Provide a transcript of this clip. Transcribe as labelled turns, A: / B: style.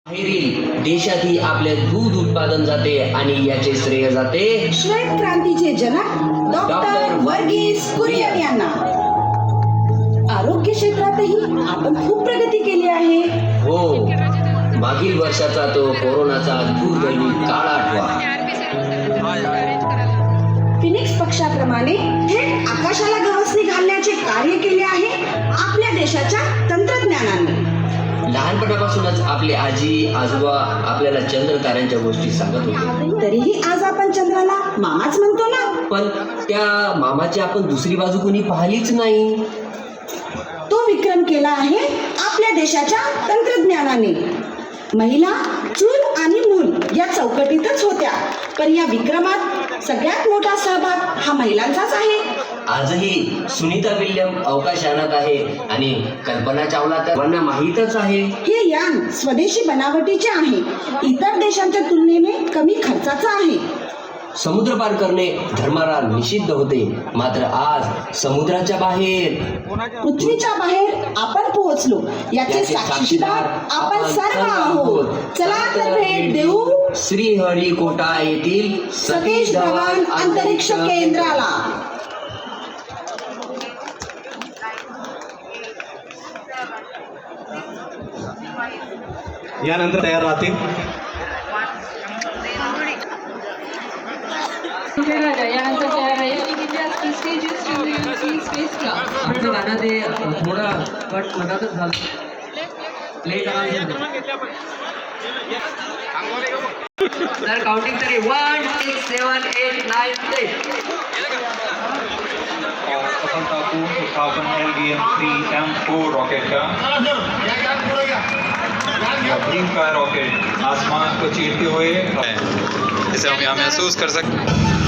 A: बाहेरील देशातही आपले दूध उत्पादन जाते आणि याचे श्रेय जाते
B: श्वेत क्रांतीचे जनक डॉक्टर वर्गीस कुरियन यांना. आरोग्य क्षेत्रातही आपण खूप प्रगती केली आहे.
A: हो, मागील वर्षाचा तो कोरोनाचा दुर्दैवी काळ आठवा.
B: फिनिक्स पक्षाप्रमाणे थेट आकाशाला गवसणी घालण्याचे कार्य केले आहे आपल्या देशाच्या तंत्रज्ञानाने.
A: लहानपणापासूनच आपले आजी आजोबा आपल्याला चंद्र ताऱ्यांच्या गोष्टी सांगत होते.
B: तरीही आज आपण चंद्राला मामाच म्हणतो ना.
A: पण त्या मामाची आपण दुसरी बाजू कोणी पाहिलीच नाही.
B: तो विक्रम केला आहे आपल्या देशाच्या तंत्रज्ञानाने. महिला चूल आणि मूल या चौकटीतच होत्या, पण या विक्रमात सगळ्यात मोठा सहभाग हा महिलांचाच आहे.
A: आजही सुनीता विल्यम अवकाशयानात आहे आणि कल्पना चावला तर त्यांना माहीतच आहे.
B: हे यान स्वदेशी बनावटीचे आहे, इतर देशांच्या तुलनेने कमी खर्चाचं आहे.
A: समुद्र पार करणे धर्माला निषिद्ध होते, मात्र आज समुद्राच्या बाहेर
B: पृथ्वीच्या बाहेर आपण पोहोचलो याचे साक्षीदार आपण सर्व आहोत. चला तर भेट देऊ
A: श्रीहरिकोटा येथील
B: सतीश धवन अंतरिक्ष केंद्राला.
C: यानंतर तयार राहतील.
D: यानंतर तयार आहे India's prestigious European space club.
E: आमचं गाणं ते थोडं कट मधातच झालं. प्ले करा सर. काउंटिंग तरी 1 6 7 8 9 10.
F: सफलतापूर्ण उत्थापन LVM-3M4 रॉकेट का भीम का रॉकेट आसमान को चीरते हुए इसे हम यहाँ महसूस कर सकते हैं.